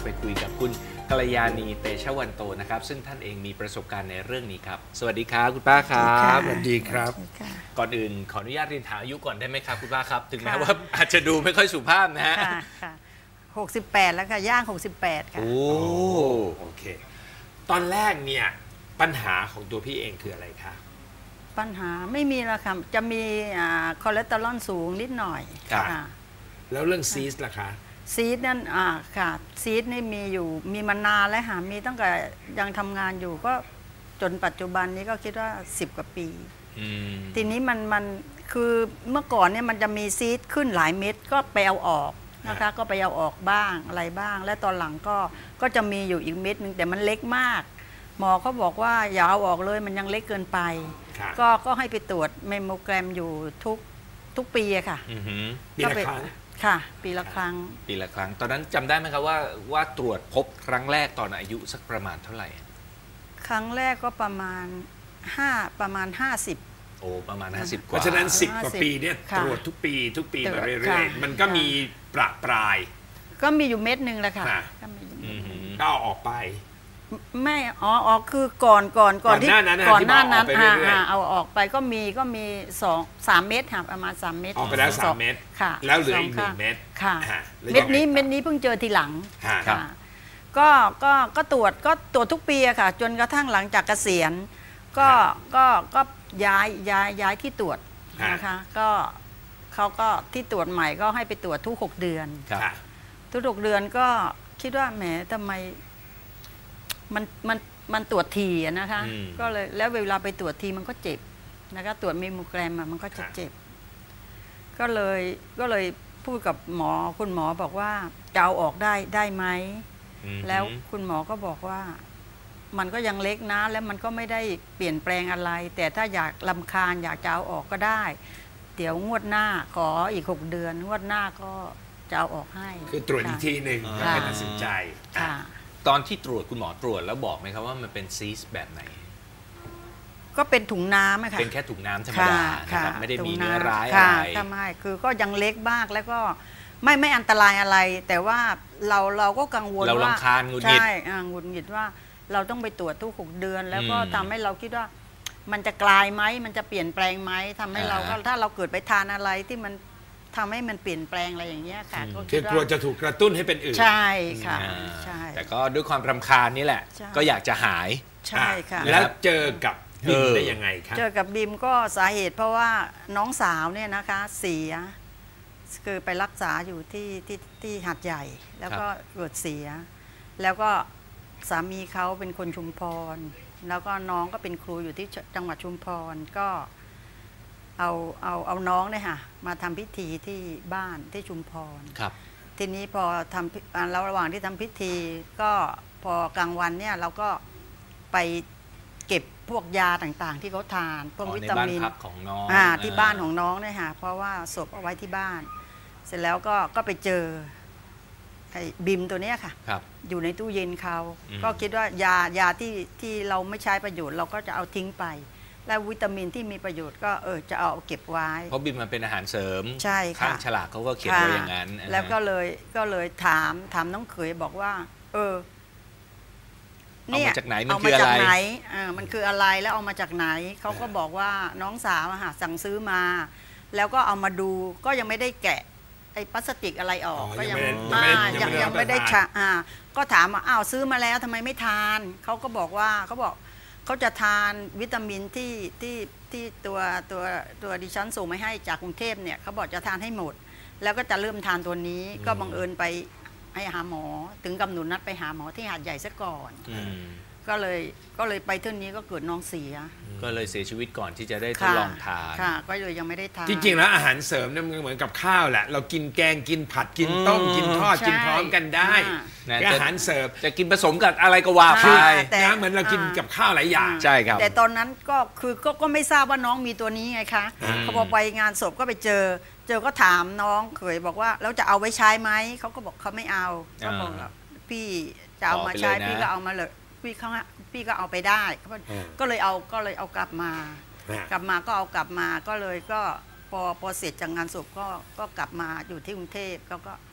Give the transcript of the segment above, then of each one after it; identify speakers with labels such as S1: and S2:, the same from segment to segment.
S1: ไปคุยกับคุณกัลยาณีเตชะวันโตนะครับซึ่งท่านเองมีประสบการณ์ในเรื่องนี้ครับสวัสดีครับคุณป้าครับ
S2: สวัสดีครับ
S1: ก่อนอื่นขออนุญาตเรียนถามอายุก่อนได้ไหมครับคุณป้าครับถึงแม้ว่าอาจจะดูไม่ค่อยสุภาพนะฮะ
S3: ค่ะ68แล้วค่ะย่าง68ค่ะ
S2: โอเคตอนแรกเนี่ยปัญหาของตัวพี่เองคืออะไรคะ
S3: ปัญหาไม่มีแล้วค่ะจะมีคอเลสเตอรอลสูงนิดหน่อย
S2: ค่ะแล้วเรื่องซีสล่ะคะ
S3: ซีสนั่นค่ะซีสนี่มีมานานแล้วค่ะมีตั้งแต่ยังทำงานอยู่ก็จนปัจจุบันนี้ก็คิดว่า10 กว่าปีทีนี้มันคือเมื่อก่อนเนี่ยมันจะมีซีสขึ้นหลายเม็ดก็ไปเอาออกนะคะก็ไปเอาออกบ้างอะไรบ้างและตอนหลังก็จะมีอยู่อีกเม็ดนึงแต่มันเล็กมากหมอเขาบอกว่าอย่าเอาออกเลยมันยังเล็กเกินไปก็ให้ไปตรวจเมมโมแกรมอยู่ทุกปีอะค่ะ
S2: ปีละครั้ง
S3: ค่ะปีละครั้ง
S1: ตอนนั้นจำได้ไหมครับว่าตรวจพบครั้งแรกตอนอายุสักประมาณเท่าไหร่
S3: ครั้งแรกก็ประมาณ50โอ้
S1: ประมาณ50กว่า
S2: เพราะฉะนั้น10 กว่าปีเนี่ยตรวจทุกปีมาเรื่อยๆมันก็มีประปราย
S3: ก็มีอยู่เม็ดนึงแหละค่ะ
S2: ก็ออกไป
S3: ไม่ออกคือก่อนที่ก่อนหน้านั้นเอาออกไปก็มี3 เม็ดค่ะประมาณ3 เม็ด
S2: ออกไปแล้ว3 เม็ด
S3: ค่ะ
S2: แล้วเหลืออีก1 เม็ด
S3: ค่ะเม็ดนี้เพิ่งเจอทีหลังค่ะก็ตรวจทุกปีอะค่ะจนกระทั่งหลังจากเกษียณก็ย้ายที่ตรวจนะคะก็เขาก็ที่ตรวจใหม่ก็ให้ไปตรวจทุก6 เดือนทุก6 เดือนก็คิดว่าแหมทำไมมันตรวจทีนะคะก็เลยแล้วเวลาไปตรวจทีมันก็เจ็บนะคะตรวจเมมโมแกรมมันก็จะเจ็บก็เลยพูดกับหมอคุณหมอบอกว่าจะเอาออกได้ไหมแล้วคุณหมอก็บอกว่ามันก็ยังเล็กนะแล้วมันก็ไม่ได้เปลี่ยนแปลงอะไรแต่ถ้าอยากรำคาญอยากจะเอาออกก็ได้เดี๋ยวงวดหน้าขออีก6 เดือนงวดหน้าก็จะเอาออกให้
S2: คือตรวจอีกทีหนึ่งแล้วไปตัดสินใจ
S1: ตอนที่ตรวจคุณหมอตรวจแล้วบอกไหมครับว่ามันเป็นซีสแบบไหน
S3: ก็เป็นถุงน้ำค่ะ
S1: เป็นแค่ถุงน้ำธรรมดาครับไม่ได้มีเนื้อร้ายอะไร
S3: ทำไมคือก็ยังเล็กมากแล้วก็ไม่อันตรายอะไรแต่ว่าเราก็กังวลว่า
S1: เรารำคาญหงุดหงิด
S3: ใช่หงุดหงิดว่าเราต้องไปตรวจทุก6 เดือนแล้วก็ทำให้เราคิดว่ามันจะกลายไหมมันจะเปลี่ยนแปลงไหมทำให้เราก็ถ้าเราเกิดไปทานอะไรที่มันทำให้มันเปลี่ยนแปลงอะไรอย่างเงี้ยค่ะ
S2: คือกลัวจะถูกกระตุ้นให้เป็นอื่น
S3: ใช่ค่ะใช่
S1: แต่ก็ด้วยความรำคาญนี่แหละก็อยากจะหาย
S3: ใช่ค่ะ
S2: แล้วเจอกับบิมได้ยังไงครับ
S3: เจอกับบิมก็สาเหตุเพราะว่าน้องสาวเนี่ยนะคะเสียคือไปรักษาอยู่ที่หาดใหญ่แล้วก็เกิดเสียแล้วก็สามีเขาเป็นคนชุมพรแล้วก็น้องก็เป็นครูอยู่ที่จังหวัดชุมพรก็เอาน้องเนี่ยค่ะมาทำพิธีที่บ้านที่ชุมพรทีนี้พอทำแล้วระหว่างที่ทำพิธีก็พอกลางวันเนี่ยเราก็ไปเก็บพวกยาต่างๆที่เขาทานพวกวิตามิน
S1: ของน้อง
S3: ที่บ้านของน้องเนี่ยค่ะเพราะว่าศพเอาไว้ที่บ้านเสร็จแล้วก็ไปเจอไอ้บิมตัวนี้ค่ะอยู่ในตู้เย็นเขาก็คิดว่ายาที่เราไม่ใช้ประโยชน์เราก็จะเอาทิ้งไปและวิตามินที่มีประโยชน์ก็จะเอาเก็บไว้
S1: เพราะบิมมันเป็นอาหารเสริม
S3: ใช่ค่ะ
S1: ข้างฉลากเขาก็เขียนไว้อย่างนั้น
S3: แล้วก็เลยถามน้องเขยบอกว่า
S1: เนี่ยเอามาจากไหน
S3: มันคืออะไรมันคืออะไรแล้วเอามาจากไหนเขาก็บอกว่าน้องสาวสั่งซื้อมาแล้วก็เอามาดูก็ยังไม่ได้แกะไอ้พลาสติกอะไรออกก็ยังไม่ได้ก็ถามว่าอ้าวซื้อมาแล้วทำไมไม่ทานเขาก็บอกว่าเขาจะทานวิตามินที่ตัวดิฉันส่งมาให้จากกรุงเทพเนี่ยเขาบอกจะทานให้หมดแล้วก็จะเริ่มทานตัวนี้ก็บังเอิญไปให้หาหมอถึงกำหนดนัดไปหาหมอที่หาดใหญ่ซะก่อนก็เลยไปเท่านี้ก็เกิดน้องเสีย
S1: ก็เลยเสียชีวิตก่อนที่จะได้ทดลองทาน
S3: ค่ะก็เลยยังไม่ได้ทาน
S2: จริงๆแล้วอาหารเสริมเนี่ยมันเหมือนกับข้าวแหละเรากินแกงกินผัดกินต้มกินทอดกินพร้อมกันได้อาหารเสริม
S1: จะกินผสมกับอะไรก็ว่าไป
S2: นะเหมือนเรากินกับข้าวหลายอย่าง
S1: ใช่ครับ
S3: แต่ตอนนั้นก็คือก็ไม่ทราบว่าน้องมีตัวนี้ไงคะพอไปงานศพก็ไปเจอก็ถามน้องเขยบอกว่าแล้วจะเอาไว้ใช้ไหมเขาก็บอกเขาไม่เอาก็บอกพี่จะเอามาใช้พี่ก็เอามาเลยพี่ก็เอาไปได้ก็เลยเอากลับมาก็เอากลับมาก็เลยก็พอเสร็จจากงานศพก็กลับมาอยู่ที่กรุงเทพ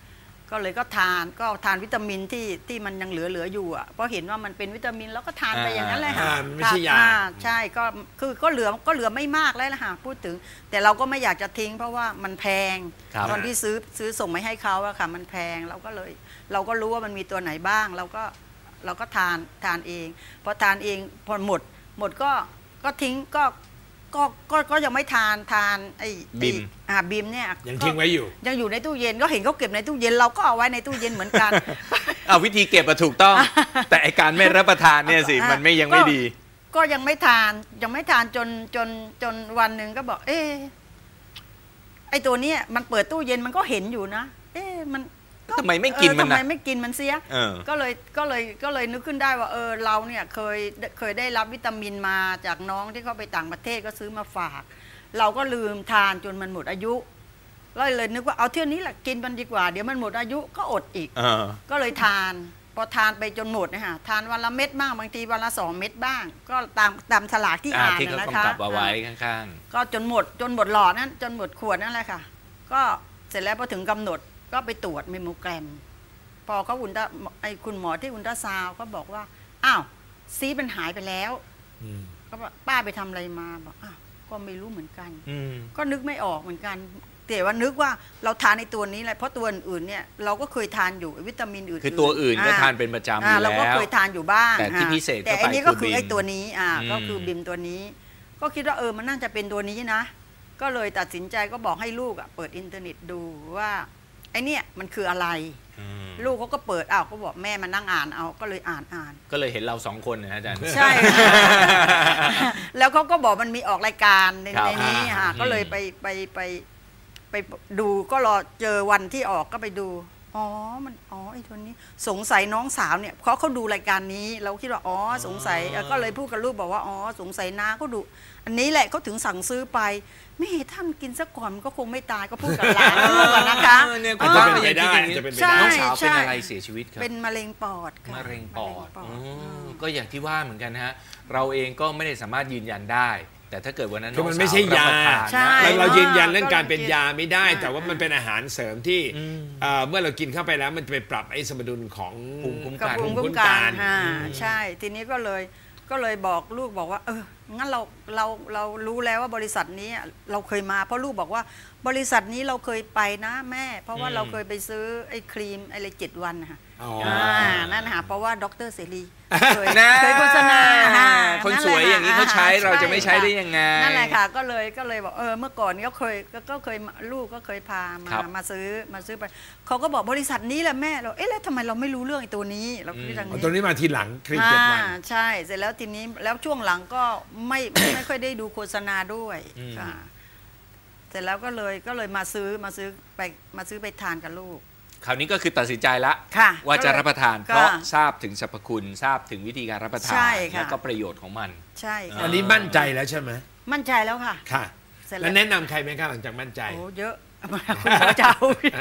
S3: ก็เลยก็ทานวิตามินที่มันยังเหลืออยู่อ่ะเพราะเห็นว่ามันเป็นวิตามินแล้วก็ทานไปอย่างนั้นเลยค่ะ
S2: ไม่ใช่ยา
S3: ใช่ก็เหลือไม่มากแล้วล่ะค่ะพูดถึงแต่เราก็ไม่อยากจะทิ้งเพราะว่ามันแพงตอนที่ซื้อส่งไปให้เขาอะค่ะมันแพงเราก็รู้ว่ามันมีตัวไหนบ้างเราก็ทานเองพอทานเองพอหมดก็ทิ้งก็ยังไม่ทานไอ้บิมเนี่ย
S2: ยังทิ้งไว้อยู่
S3: ยังอยู่ในตู้เย็นก็เห็นเขาเก็บในตู้เย็นเราก็เอาไว้ในตู้เย็นเหมือนกัน
S1: เอาวิธีเก็บถูกต้องแต่ไอการไม่รับประทานเนี่ยสิมันยังไม่ดี
S3: ก็ยังไม่ทานจนวันหนึ่งก็บอกไอตัวเนี้ยมันเปิดตู้เย็นมันก็เห็นอยู่นะมัน
S1: ทำไมไม่กินมันนะ
S3: ทำไมไม่กินมันเสียก็เลยนึกขึ้นได้ว่าเราเนี่ยเคยได้รับวิตามินมาจากน้องที่เขาไปต่างประเทศก็ซื้อมาฝากเราก็ลืมทานจนมันหมดอายุเลยนึกว่าเอาเที่ยวนี้แหละกินมันดีกว่าเดี๋ยวมันหมดอายุก็อดอีกก็เลยทานพอทานไปจนหมดนะฮะทานวันละเม็ดบ้างบางทีวันละ2 เม็ดบ้างก็ตามฉลากที่อ่านนะคะ
S1: เอาไว้ข้าง
S3: ๆก็จนหมดหลอดนั้นจนหมดขวดนั่นแหละค่ะก็เสร็จแล้วพอถึงกำหนดก็ไปตรวจเมมโมแกรมพอเขาคุณหมอที่อุลตราซาวด์ก็บอกว่าอ้าวซีสมันหายไปแล้วก็ป้าไปทำอะไรมาบอกอ้าวก็ไม่รู้เหมือนกันก็นึกไม่ออกเหมือนกันแต่ว่านึกว่าเราทานในตัวนี้แหละเพราะตัวอื่นเนี่ยเราก็เคยทานอยู่วิตามินอื่น
S1: คือตัวอื่นก็ทานเป็นประจำอยู่แล้ว
S3: เราก็เคยทานอยู่บ้าง
S1: แต่ที่พิเศษ
S3: แต่อันนี้ก็คือไอ้ตัวนี้ก็คือบิมตัวนี้ก็คิดว่ามันน่าจะเป็นตัวนี้นะก็เลยตัดสินใจก็บอกให้ลูกเปิดอินเทอร์เน็ตดูว่าไอเนี่ยมันคืออะไรลูกเขาก็เปิดก็บอกแม่มานั่งอ่านเอาก็เลยอ่าน
S1: ก็เลยเห็นเรา2 คนนะอาจารย์
S3: ใช่แล้วเขาก็บอกมันมีออกรายการในนี้ก็เลยไปดูก็รอเจอวันที่ออกก็ไปดูไอ้ตัวนี้สงสัยน้องสาวเนี่ยเขาดูรายการนี้เราคิดว่าสงสัยก็เลยพูดกับลูกบอกว่าสงสัยน้าก็ดูอันนี้แหละเขาถึงสั่งซื้อไปไม่ท่านกินซะก่อนมันก็คงไม่ตายก็พูดกับหลานลูกนะคะ
S2: จะเป็นไปได้
S1: น้องสาวเป็นอะไรเสียชีวิตครับ
S3: เป็นมะเร็งปอด
S1: มะเร็งปอดก็อย่างที่ว่าเหมือนกันฮะเราเองก็ไม่ได้สามารถยืนยันได้แต่ถ้าเกิดวันนั้น
S2: มันไม่ใช่ยาเรายืนยันเรื่องการเป็นยาไม่ได้แต่ว่ามันเป็นอาหารเสริมที่เมื่อเรากินเข้าไปแล้วมันจะไปปรับไอ้สมดุลของ
S1: ภูมิคุ้
S3: มกันใช่ทีนี้ก็เลยบอกลูกบอกว่างั้นเรารู้แล้วว่าบริษัทนี้เราเคยมาเพราะลูกบอกว่าบริษัทนี้เราเคยไปนะแม่เพราะว่าเราเคยไปซื้อไอ้ครีมอะไร7 วันนะคะนั่นนะคะเพราะว่าดร.เสรีเคยโฆษณา
S1: คนสวยอย่างนี้เขาใช้เราจะไม่ใช้ได้ยังไง
S3: นั่นแหละค่ะก็เลยบอกเมื่อก่อนก็เคยลูกก็เคยพามาซื้อไปเขาก็บอกบริษัทนี้แหละแม่เราแล้วทำไมเราไม่รู้เรื่องไอ้ตัวนี้เราคิดอย่างนี้
S2: ตัวนี้มาทีหลังครีม7 วัน
S3: ใช่เสร็จแล้วทีนี้แล้วช่วงหลังก็ไม่ค่อยได้ดูโฆษณาด้วยค่ะเสร็จแล้วก็เลยมาซื้อไปทานกับลูก
S1: คราวนี้ก็คือตัดสินใจแล้วว่าจะรับประทานเพราะทราบถึงสรรพคุณทราบถึงวิธีการรับประทานและก็ประโยชน์ของมัน
S3: ใช่
S2: อันนี้มั่นใจแล้วใช่ไหม
S3: มั่นใจแล้วค่ะ
S2: ค่ะแล้วแนะนำใครไหมคะหลังจากมั่นใจ
S3: เยอะคุณหมอเจ้า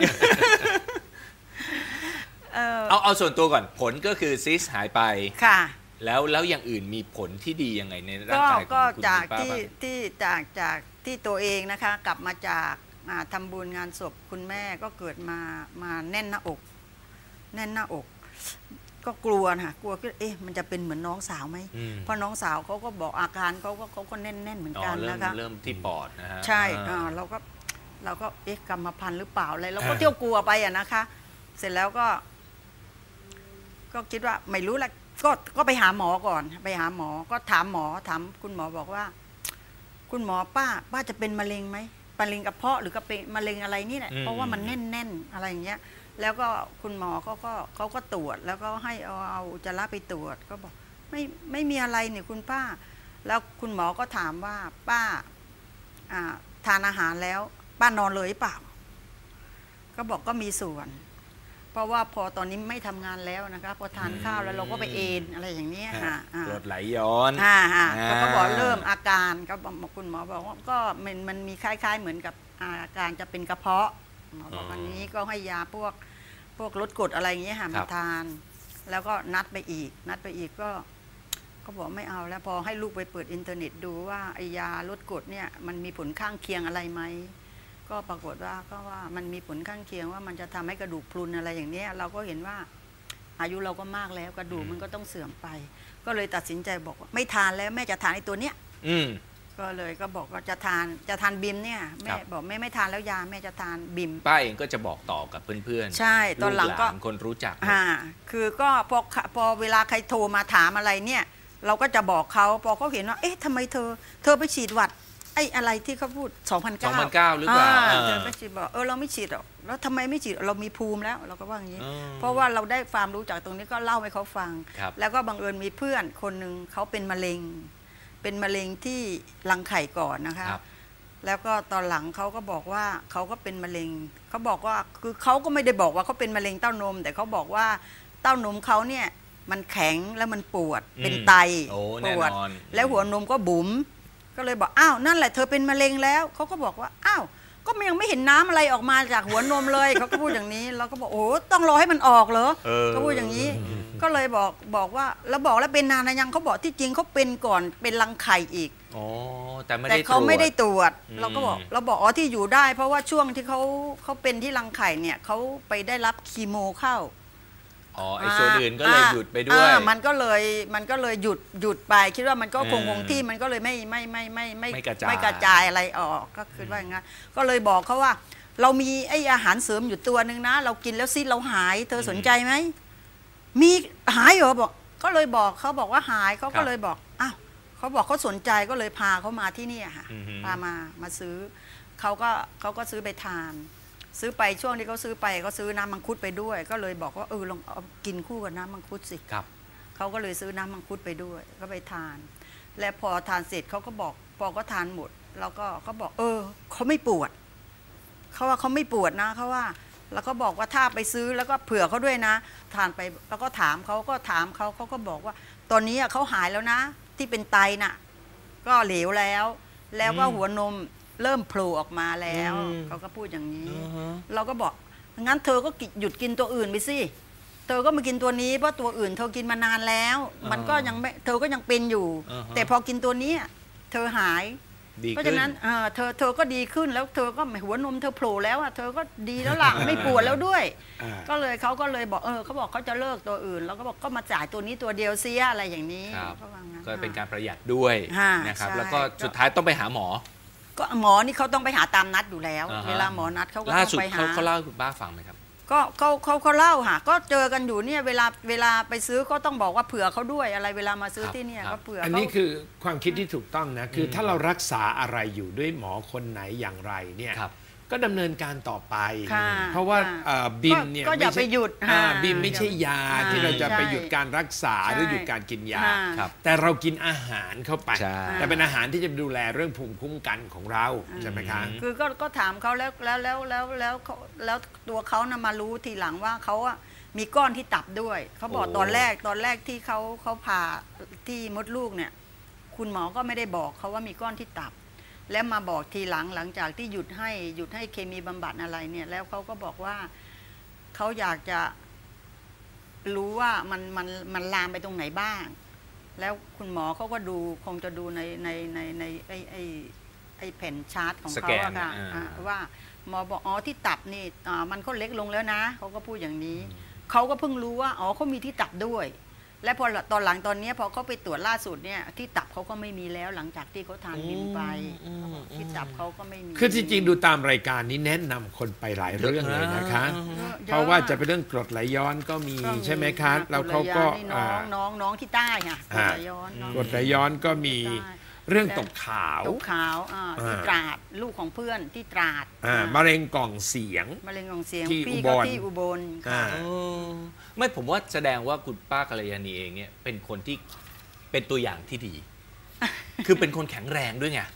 S1: เอาส่วนตัวก่อนผลก็คือซิสหายไป
S3: ค่ะ
S1: แล้วอย่างอื่นมีผลที่ดียังไงในร่างกายของคุณป้าบ้าง
S3: จากที่ตัวเองนะคะกลับมาจากทำบุญงานศพคุณแม่ก็เกิดมาแน่นหน้าอกก็กลัวนะกลัวก็มันจะเป็นเหมือนน้องสาวไหมเพราะน้องสาวเขาก็บอกอาการเขาก็แน่นเหมือนกันนะคะ
S1: เริ่มที่ปอดนะฮะ
S3: ใช่เราก็กรรมพันธุ์หรือเปล่าอะไรเราก็เที่ยวกลัวไปนะคะเสร็จแล้วก็คิดว่าไม่รู้แหละก็ไปหาหมอก่อนไปหาหมอก็ถามคุณหมอบอกว่าคุณหมอป้าจะเป็นมะเร็งไหมมะเร็งกระเพาะหรือก็เป็นมะเร็งอะไรนี่แหละเพราะว่ามันแน่นอะไรอย่างเงี้ยแล้วก็คุณหมอเขาก็ตรวจแล้วก็ให้เอาอุจจาระไปตรวจก็บอกไม่มีอะไรเนี่ยคุณป้าแล้วคุณหมอก็ถามว่าป้าทานอาหารแล้วป้านอนเลยหรือเปล่าก็บอกก็มีส่วนเพราะว่าพอตอนนี้ไม่ทำงานแล้วนะคะพอทานข้าวแล้วเราก็ไปเอนอะไรอย่างนี้ค่ะ
S1: กรดไหลย้อน
S3: ก็บอกเริ่มอาการก็คุณหมอบอกว่าก็มันมีคล้ายๆเหมือนกับอาการจะเป็นกระเพาะหมอบอกวันนี้ก็ให้ยาพวกลดกรดอะไรอย่างเงี้ยค่ะมาทานแล้วก็นัดไปอีกก็บอกไม่เอาแล้วพอให้ลูกไปเปิดอินเทอร์เน็ตดูว่าไอยาลดกรดเนี่ยมันมีผลข้างเคียงอะไรไหมก็ปรากฏว่าก็ว่ามันมีผลข้างเคียงว่ามันจะทำให้กระดูกพรุนอะไรอย่างเนี้ยเราก็เห็นว่าอายุเราก็มากแล้วกระดูกมันก็ต้องเสื่อมไป ก็เลยตัดสินใจบอกว่าไม่ทานแล้วแม่จะทานไอ้ตัวเนี้ยก็เลยก็บอกว่าจะทานบิมเนี่ยแม่บอกแม่ไม่ทานแล้วยาแม่จะทานบิม
S1: ป้าเองก็จะบอกต่อกับเพื่อนๆ
S3: ใช่ตอนหลังก็
S1: คนรู้จัก
S3: คือก็พอเวลาใครโทรมาถามอะไรเนี่ยเราก็จะบอกเขาพอเขาเห็นว่าเอ๊ะทำไมเธอไปฉีดหวัดไอ้อะไรที่เขาพูด2009
S1: หรือเปล่า
S3: เธอไม่ฉีดบอกเราไม่ฉีดหรอกแล้วทำไมไม่ฉีดเรามีภูมิแล้วเราก็ว่าอย่างนี้เพราะว่าเราได้ความรู้จากตรงนี้ก็เล่าให้เขาฟังแล้วก็บังเอิญมีเพื่อนคนหนึ่งเขาเป็นมะเร็งที่รังไข่ก่อนนะคะแล้วก็ตอนหลังเขาก็บอกว่าเขาก็เป็นมะเร็งเขาบอกว่าคือเขาก็ไม่ได้บอกว่าเขาเป็นมะเร็งเต้านมแต่เขาบอกว่าเต้านมเขาเนี่ยมันแข็งแล้วมันปวดเป็นไตปวดแล้วหัวนมก็บุ๋มก็เลยบอกอ้าวนั่นแหละเธอเป็นมะเร็งแล้วเขาก็บอกว่าอ้าวก็ยังไม่เห็นน้ำอะไรออกมาจากหัวนมเลยเขาก็พูดอย่างนี้เราก็บอกโอ้ต้องรอให้มันออกเหรอเขาพูดอย่างนี้ก็เลยบอกว่าแล้วบอกแล้วเป็นนานนะยังเขาบอกที่จริงเขาเป็นก่อนเป็นรังไข่อีก
S1: แต่
S3: เขาไม่ได้ตรวจเราก็บอกเราบอกอ๋อที่อยู่ได้เพราะว่าช่วงที่เขาเป็นที่รังไข่เนี่ยเขาไปได้รับคีโมเข้า
S1: ไอ้ส่วนอื่นก็เลยหยุดไปด้วย
S3: มันก็เลยหยุดไปคิดว่ามันก็คงที่มันก็เลยไม่กระจายอะไรออกก็คือว่าอย่างนั้นก็เลยบอกเขาว่าเรามีไอ้อาหารเสริมอยู่ตัวนึงนะเรากินแล้วซิเราหายเธอสนใจไหมมีหายเหรอบอกก็เลยบอกเขาบอกว่าหายเขาก็เลยบอกอ้าวเขาบอกเขาสนใจก็เลยพาเขามาที่นี่ค่ะพามาซื้อเขาก็ซื้อไปทานซื้อไปช่วงที่เขาซื้อไปก็ซื้อน้ำมังคุดไปด้วยก็เลยบอกว่าลองเอากินคู่กับน้ำมังคุดสิเขาก็เลยซื้อน้ำมังคุดไปด้วยก็ไปทานและพอทานเสร็จเขาก็บอกพอก็ทานหมดแล้วก็เขาบอกเขาไม่ปวดเขาว่าเขาไม่ปวดนะเขาว่าแล้วก็บอกว่าถ้าไปซื้อแล้วก็เผื่อเขาด้วยนะทานไปแล้วก็ถามเขาก็บอกว่าตอนนี้เขาหายแล้วนะที่เป็นไตน่ะก็เหลวแล้วก็หัวนมเริ่มโผล่ออกมาแล้วเขาก็พูดอย่างนี้เราก็บอกงั้นเธอก็หยุดกินตัวอื่นไปสิเธอก็มากินตัวนี้เพราะตัวอื่นเธอกินมานานแล้วมันก็ยังไม่เธอก็ยังเป็นอยู่แต่พอกินตัวนี้เธอหายเพราะฉะนั้นเธอก็ดีขึ้นแล้วเธอก็หัวนมเธอโผล่แล้วเธอก็ดีแล้วล่ะไม่ปวดแล้วด้วยก็เลยเขาก็เลยบอกเขาบอกเขาจะเลิกตัวอื่นแล้วก็บอกก็มาจ่ายตัวนี้ตัวเดียวเสียอะไรอย่างนี้
S1: ก็เป็นการประหยัดด้วยนะครับแล้วก็สุดท้ายต้องไปหาหมอ
S3: ก็หมอนี่เขาต้องไปหาตามนัดอยู่แล้วเวลาหมอนัดเขาก็ต้องไปหา
S1: เขาเล่าให้คุณป้าฟังไหมครับ
S3: ก็เขาเล่าค่ะก็เจอกันอยู่เนี่ยเวลาไปซื้อก็ต้องบอกว่าเผื่อเขาด้วยอะไรเวลามาซื้อที่เนี่ยก็เผื่อ
S2: อันนี้คือความคิดที่ถูกต้องนะคือถ้าเรารักษาอะไรอยู่ด้วยหมอคนไหนอย่างไรเนี่ยก็ดำเนินการต่อไปเพราะว่าบิมเนี่ย
S3: ก็อย่าไปหยุด
S2: บิมไม่ใช่ยาที่เราจะไปหยุดการรักษาหรือหยุดการกินยาแต่เรากินอาหารเข้าไปแต่เป็นอาหารที่จะดูแลเรื่องภูมิคุ้มกันของเราใช่ไหมคะ
S3: คือก็ถามเขาแล้วตัวเขานะมารู้ทีหลังว่าเขาอะมีก้อนที่ตับด้วยเขาบอกตอนแรกที่เขาผ่าที่มดลูกเนี่ยคุณหมอก็ไม่ได้บอกเขาว่ามีก้อนที่ตับแล้วมาบอกทีหลังจากที่หยุดให้เคมีบำบัดอะไรเนี่ยแล้วเขาก็บอกว่าเขาอยากจะรู้ว่ามันลามไปตรงไหนบ้างแล้วคุณหมอเขาก็ดูคงจะดูในไอ้แผ่นชาร์ตของเขาอะค่ะว่าหมอบอกที่ตับนี่มันก็เล็กลงแล้วนะเขาก็พูดอย่างนี้เขาก็เพิ่งรู้ว่าเขามีที่ตับด้วยและพอตอนหลังตอนนี้พอเขาไปตรวจล่าสุดเนี่ยที่ตับเขาก็ไม่มีแล้วหลังจากที่เขาทานบิมไปที่ตับเขาก็ไม่มี
S2: คือจริงๆดูตามรายการนี้แนะนำคนไปหลายเรื่องเลยนะคะเพราะว่าจะเป็นเรื่องกรดไหลย้อนก็มีใช่ไหมคะแล้วเขาก็
S3: น้องที่ใต้ค่ะกรดไหล
S2: ย้อนก็มีเรื่องตกขาว
S3: ที่ตราดลูกของเพื่อนที่ตราด
S2: มะเร็งกล่องเสียง
S3: ที่อุบลค่ะ
S1: ไม่ผมว่าแสดงว่าคุณป้ากัลยาณีเองเนี่ยเป็นคนที่เป็นตัวอย่างที่ดี คือเป็นคนแข็งแรงด้วยไง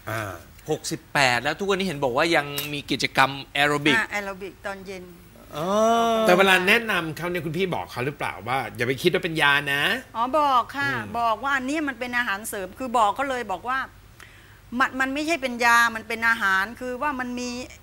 S1: 68แล้วทุกวันนี้เห็นบอกว่ายังมีกิจกรรมแอโรบิก
S3: ตอนเย็น
S2: แต่เวลาแนะนำเขาเนี่ยคุณพี่บอกเขาหรือเปล่าว่าอย่าไปคิดว่าเป็นยานะ
S3: บอกค่ะบอกว่าอันนี้มันเป็นอาหารเสริมคือบอกเขาเลยบอกว่ามันไม่ใช่เป็นยามันเป็นอาหารคือว่ามันมี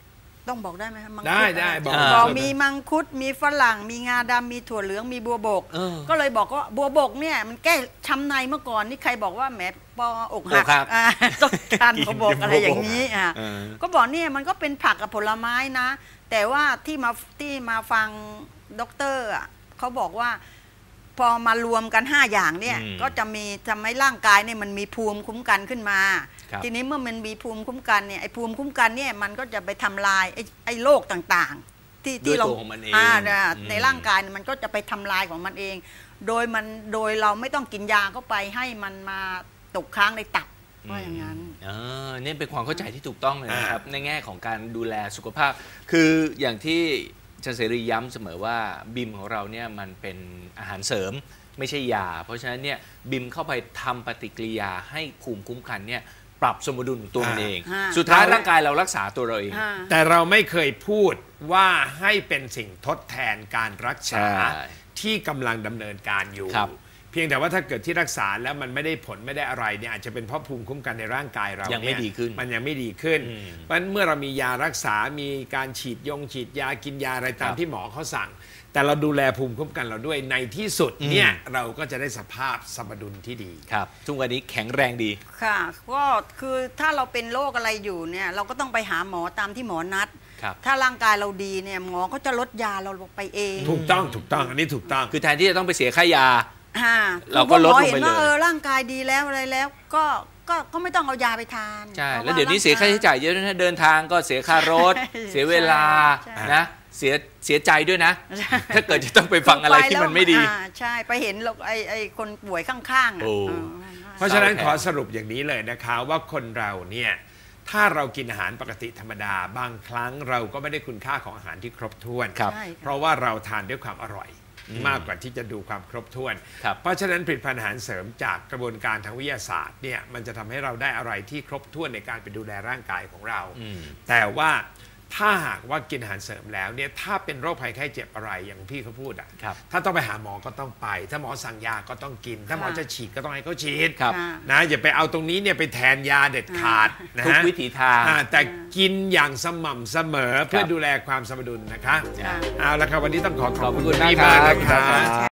S3: ต้องบอกได้ไหมคะมังคุด
S2: ได้
S3: บอกมีมังคุดมีฝรั่งมีงาดำมีถั่วเหลืองมีบัวบกก็เลยบอกว่าบัวบกเนี่ยมันแก้ช้ำในเมื่อก่อนนี่ใครบอกว่าแหมปอกหักต้องทานบัวบกอะไรอย่างนี้ก็บอกเนี่ยมันก็เป็นผักกับผลไม้นะแต่ว่าที่มาฟังด็อกเตอร์เขาบอกว่าพอมารวมกัน5อย่างเนี่ยก็จะทำให้ร่างกายเนี่ยมันมีภูมิคุ้มกันขึ้นมาทีนี้เมื่อมันมีภูมิคุ้มกันเนี่ยไอ้ภูมิคุ้มกันเนี่ยมันก็จะไปทำลายไอ้โรคต่างๆที่เราในร่างกายมันก็จะไปทำลายของมันเองโดยเราไม่ต้องกินยาเข้าไปให้มันมาตกค้างในตับว่าอย่างนั้น
S1: นี่เป็นความเข้าใจที่ถูกต้องเลยนะครับในแง่ของการดูแลสุขภาพคืออย่างที่อาจารย์เสรีย้ำเสมอว่าบิมของเราเนี่ยมันเป็นอาหารเสริมไม่ใช่ยาเพราะฉะนั้นเนี่ยบิมเข้าไปทำปฏิกิริยาให้ภูมิคุ้มกันเนี่ยปรับสมดุลของตัวเองสุดท้ายร่างกายเรารักษาตัวเราเอง
S2: แต่เราไม่เคยพูดว่าให้เป็นสิ่งทดแทนการรักษาที่กำลังดำเนินการอยู่เพียงแต่ว่าถ้าเกิดที่รักษาแล้วมันไม่ได้ผลไม่ได้อะไรเนี่ยอาจจะเป็นเพราะภูมิคุ้มกันในร่างกายเรา
S1: ยังไม่ดีขึ้น
S2: มันยังไม่ดีขึ้นเพราะเมื่อเรามียารักษามีการฉีดยากินยาอะไรตามที่หมอเขาสั่งแต่เราดูแลภูมิคุ้มกันเราด้วยในที่สุดเนี่ยเราก็จะได้สภาพสมดุลที่ดี
S1: ครับทุกวันนี้แข็งแรงดี
S3: ค่ะก็คือถ้าเราเป็นโรคอะไรอยู่เนี่ยเราก็ต้องไปหาหมอตามที่หมอนัดถ้าร่างกายเราดีเนี่ยหมอก็จะลดยาเราลงไปเอง
S2: ถูกต้องอันนี้ถูกต้อง
S1: คือแทนที่จะต้องไปเสียค่ายาเราก็ลดลงไปเลย
S3: ร่างกายดีแล้วอะไรแล้วก็ไม่ต้องเอายาไปทาน
S1: ใช่แล้วเดี๋ยวนี้เสียค่าใช้จ่ายเยอะนะเดินทางก็เสียค่ารถเสียเวลานะเสียใจด้วยนะถ้าเกิดจะต้องไปฟังอะไรที่มันไม่ดี
S3: ใช่ไปเห็นไอ้คนป่วยข้าง
S2: ๆเพราะฉะนั้นขอสรุปอย่างนี้เลยนะคะว่าคนเราเนี่ยถ้าเรากินอาหารปกติธรรมดาบางครั้งเราก็ไม่ได้คุณค่าของอาหารที่ครบถ้วนเพราะว่าเราทานด้วยความอร่อยมากกว่าที่จะดูความครบถ้วนเพราะฉะนั้นผลิตภัณฑ์อาหารเสริมจากกระบวนการทางวิทยาศาสตร์เนี่ยมันจะทำให้เราได้อะไรที่ครบถ้วนในการไปดูแลร่างกายของเราแต่ว่าถ้าหากว่ากินอาหารเสริมแล้วเนี่ยถ้าเป็นโรคภัยไข้เจ็บอะไรอย่างพี่เขาพูดถ้าต้องไปหาหมอก็ต้องไปถ้าหมอสั่งยาก็ต้องกินถ้าหมอจะฉีดก็ต้องให้เขาฉีดนะอย่าไปเอาตรงนี้เนี่ยไปแทนยาเด็ดขาดนะ
S1: ทุกวิถีทาง
S2: แต่กินอย่างสม่ำเสมอเพื่อดูแลความสมดุลนะคะเอาละครับวันนี้ต้องขอบคุณมากนะครับ